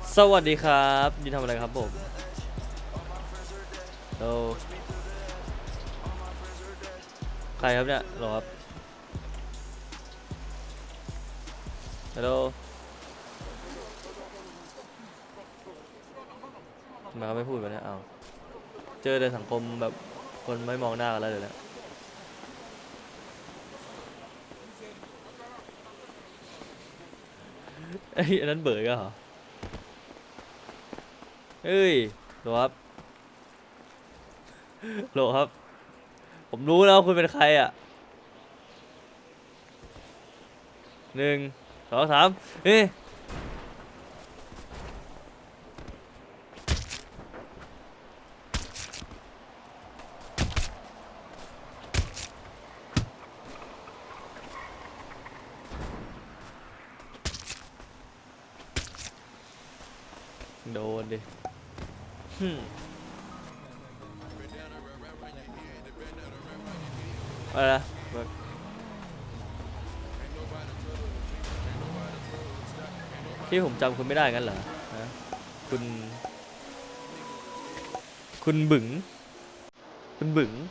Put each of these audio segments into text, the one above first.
สวัสดีครับยินทำอะไรครับผมโอ้ใครครับเนี่ยหรอครับฮัลโหลมาไม่พูดไปเนี่ยเอาเจอในสังคมแบบคนไม่มองหน้ากันแล้วเดี๋ยวนี้ไอ้ยอันนั้นเบิร์กเหรอเอ้ยหรอครับโหลครับผมรู้แล้ววาคุณเป็นใครอ่ะหนึ่งสองสามเฮ้ยโดนดิหึ่มอะไรนะเบิร์กที่ผมจำคุณไม่ได้งั้นเหรอฮะคุณคุณบึ๋งคุณบึ๋ง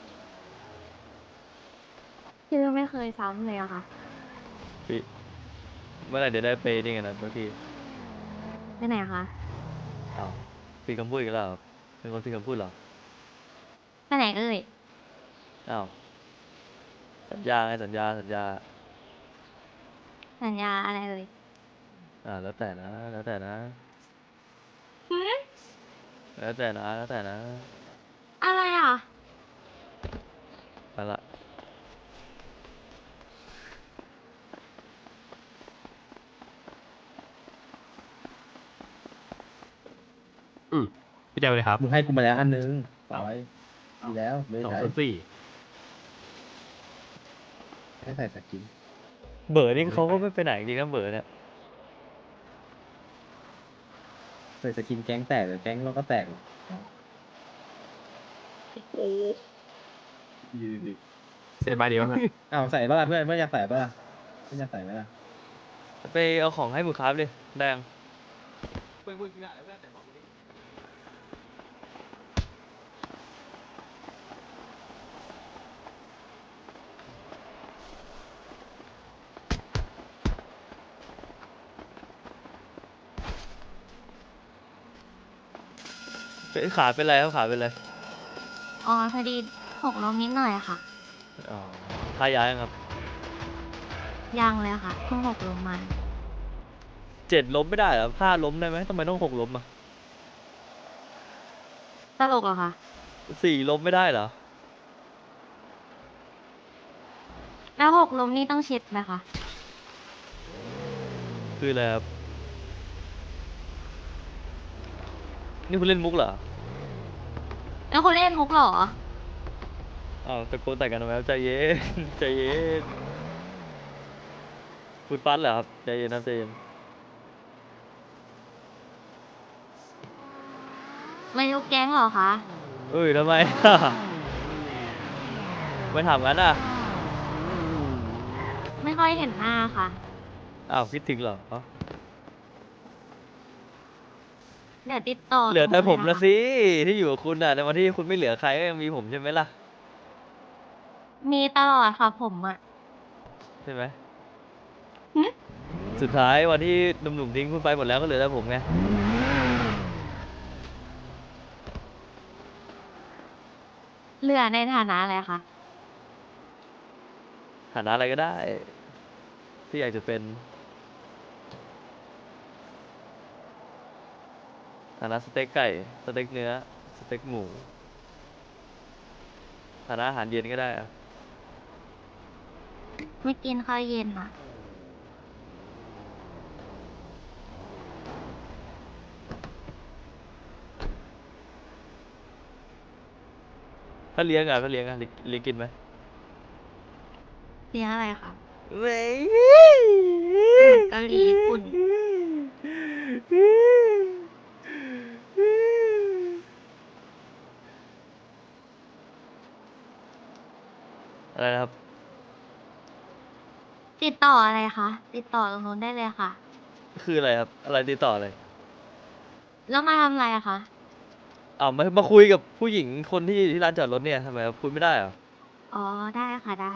ชื่อไม่เคยซ้ำเลยอะค่ะพี่เมื่อไหร่เดี๋ยวได้ไปนี่กันนะเมื่อพี่ไปไหนอะคะอ้าวพี่คำพูดอีกแล้วเหรอเป็นคนพี่คำพูดเหรอไปไหนเอ่ยอ้าวสัญญาไงสัญญาสัญญาอะไรเอ่ยแล้วแต่นะแล้วแต่นะหือแล้วแต่นะแล้วแต่นะอะไรอ่ะไปละอืมพี่เจลเลยครับมึงให้กูมาแล้วอันนึงต่อเอาไว้ดีแล้วไม่สองใช้ส่วนสี่ให้ใส่สกินเบอร์นี่เขาก็ไม่ไปไหนจริงนะเบอร์เนี่ยใส่สกินแก๊งแตกหรือแก๊งเราก็แตกดีดีเสร็จใบเดียวนะอ้าวใส่ป่ะล่ะเพื่อนอยากใส่ป่ะล่ะเพื่อนอยากใส่ไหมล่ะไปเอาของให้มือครับดิแดงเป็นขาเป็นไรครับขาเป็นไรอ๋อพอดีหกล้มนิดหน่อยอะค่ะอ๋อทายายังครับยังเลยค่ะเพิ่งหกล้มมาเจ็ดล้มไม่ได้เหรอห้าล้มได้ไหมทำไมต้องหกล้มอ่ะตลกเหรอคะสี่ล้มไม่ได้เหรอแล้วหกล้มนี่ต้องเช็ดไหมคะคืออะไรครับนี่คุณเล่นมุกเหรอแล้วคุณเล่นมุกเหรออ้าวตะโกนแต่กันทำไมครับใจเย็นใจเย็นพูดฟัดเหรอครับใจเย็นครับใจเย็นไม่รู้แก๊งเหรอคะเอ้ยทำไม ไม่ถามงั้นอ่ะไม่ค่อยเห็นหน้าค่ะอ้าวคิดถึงเหรอเดี๋ยวติดต่อเหลือแต่ตรงเลยนะคะผมละสิที่อยู่กับคุณอ่ะในวันที่คุณไม่เหลือใครก็ยังมีผมใช่ไหมล่ะมีตลอดค่ะผมอะใช่ไหมหึสุดท้ายวันที่หนุ่มๆทิ้งคุณไปหมดแล้วก็เหลือแต่ผมไงเหลือในฐานะอะไรคะฐานะอะไรก็ได้ที่อยากจะเป็นฐานะสเต็กไก่สเต็กเนื้อสเต็กหมูฐานะอาหารเย็นก็ได้อะไม่กินข้าวเย็นอะถ้าเลี้ยงอ่ะก็เลี้ยงอ่ะเลี้ยงกินไหมเลี้ยงอะไรคะไม่อาหารเกาหลีญี่ปุ่นอะไรนะครับติดต่ออะไรคะติดต่อตรงนู้นได้เลยค่ะคืออะไรครับอะไรติดต่ออะไรแล้วมาทำอะไรอะคะอ้าวมาคุยกับผู้หญิงคนที่ร้านจอดรถเนี่ยทำไมคุยไม่ได้เหรออ๋อ ได้ค่ะได้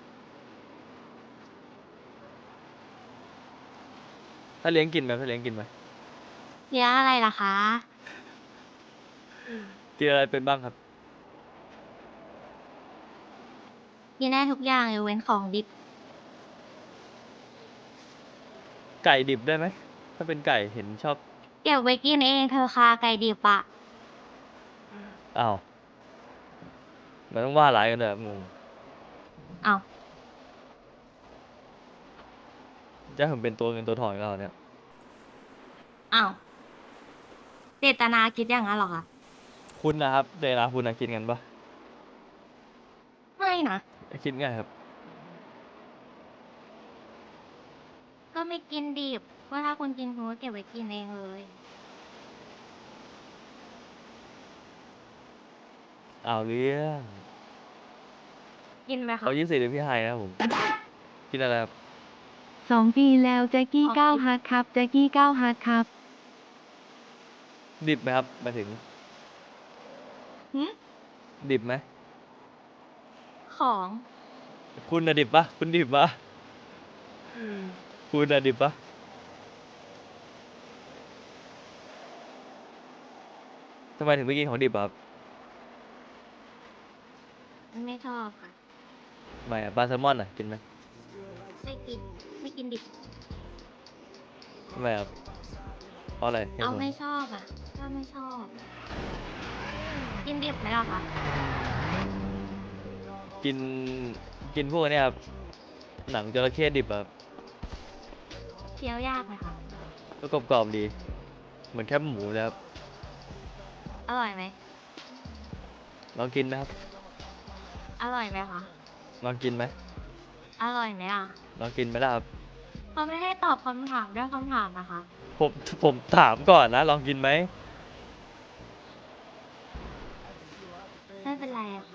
ถ้าเลี้ยงกินไหมถ้าเลี้ยงกินไหมเลี้ยงอะไรล่ะคะกินอะไรเป็นบ้างครับกินได้ทุกอย่างยกเว้นของดิบไก่ดิบได้ไหมถ้าเป็นไก่เห็นชอบเก็บไว้กินเองเธอค่ะไก่ดิบอะอ้าวมันต้องว่าหลายกันเลยงงเอาจะผมเป็นตัวเงินตัวทองอีกแล้วเนี่ยเอาเจตนาคิดอย่างนั้นเหรอคะคุณนะครับเดนาคุณนะกินกันปะไม่นะคิดไงครับก็ไม่กินดิบว่าถ้าคุณกินคุณก็เก็บไว้กินเองเลยเอาเรื่องกินไหมคะเขา24เดือนพี่ไฮนะครับผม กินอะไรครับ 2 ปีแล้วแจ็กกี้อ๋อก้าวฮาร์ดครับแจ็กกี้ก้าวฮาร์ดครับดิบไหมครับหมายถึงหึดิบไหมของคุณน่ะดิบปะคุณดิบปะคุณน่ะดิบปะทำไมถึงไม่กินของดิบอะครับไม่ชอบค่ะทำไมอะปลาแซลมอนอะกินไหมไม่กิน ไม่กินดิบทำไมครับเพราะอะไรเหตุเอาผลไม่ชอบอ่ะก็ไม่ชอบ กินดิบไหมล่ะคะกินกินพวกเนี้ยครับหนังจระเข้ดิบอะครับเคี้ยวยากไหมคะก็กรอบๆดี เหมือนแคบหมูเลยครับอร่อยไหมลองกินไหมครับอร่อยไหมคะลองกินไหมอร่อยไหมอ่ะลองกินไหมล่ะครับเขาไม่ให้ตอบคำถามด้วยคำถามนะคะผมถามก่อนนะ ลองกินไหมไม่เป็นไรอะค่ะ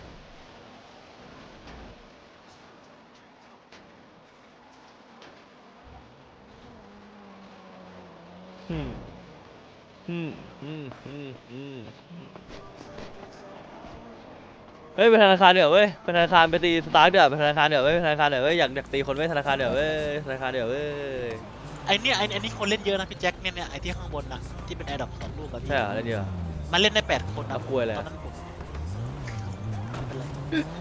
อืมอืมอืมอืมอืมเฮ้ยไปธนาคารเดี๋ยวเว้ยไปธนาคารไปตีสตาร์ทเดี๋ยวไปธนาคารเดี๋ยวเว้ยไปธนาคารเดี๋ยวเว้ยอยากตีคนไว้ธนาคารเดี๋ยวเว้ยธนาคารเดี๋ยวเว้ยไอเนี่ยไอนี่คนเล่นเยอะนะพี่แจ็คเนี่ยไอที่ข้างบนนะที่เป็นแอร์ดรอป2 ลูกอะพี่ใช่เหรออะไรเดียวมันเล่นได้8 คนนะเอากล้วยเลยตอนนั้นผมไม่เป็นไร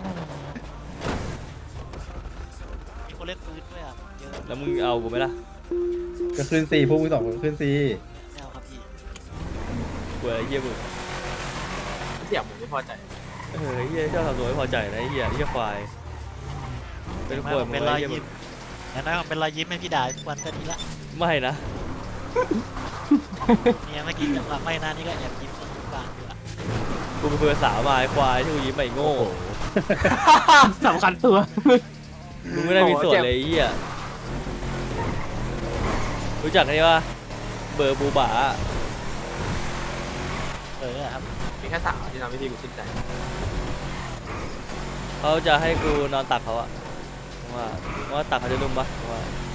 มีคนเล่นปืนด้วยอ่ะเยอะแล้วมึงเอากูไหมล่ะก็ขึ้นซีพวกมึงสองคนขึ้นซีไม่เอาครับพี่กูอะไรเยี่ยมึงเสี่ยผมไม่พอใจเฮียชอบทำตัวไม่พอใจนะไอ้เฮียควาย เป็นควายเป็นรอยยิ้มอย่างน้อยผมเป็นรอยยิ้มให้พี่ด่าทุกวันก็ดีละไม่นะเนี่ยเมื่อกี้จังหวะไม่น่านี่ก็แอบยิ้มทุกวันอยู่ละกูเป็นเพื่อนสาวมาไอ้ควายที่กูยิ้มไปโง่สำคัญตัวมึงไม่ได้มีส่วนเลยไอ้เฮียรู้จักนี่ปะเบอร์บูบาครับมีแค่สาวที่ทำให้พี่กูชื่นใจเขาจะให้กูนอนตักเขาอะว่าตักเขาจะนุ่มปะว่า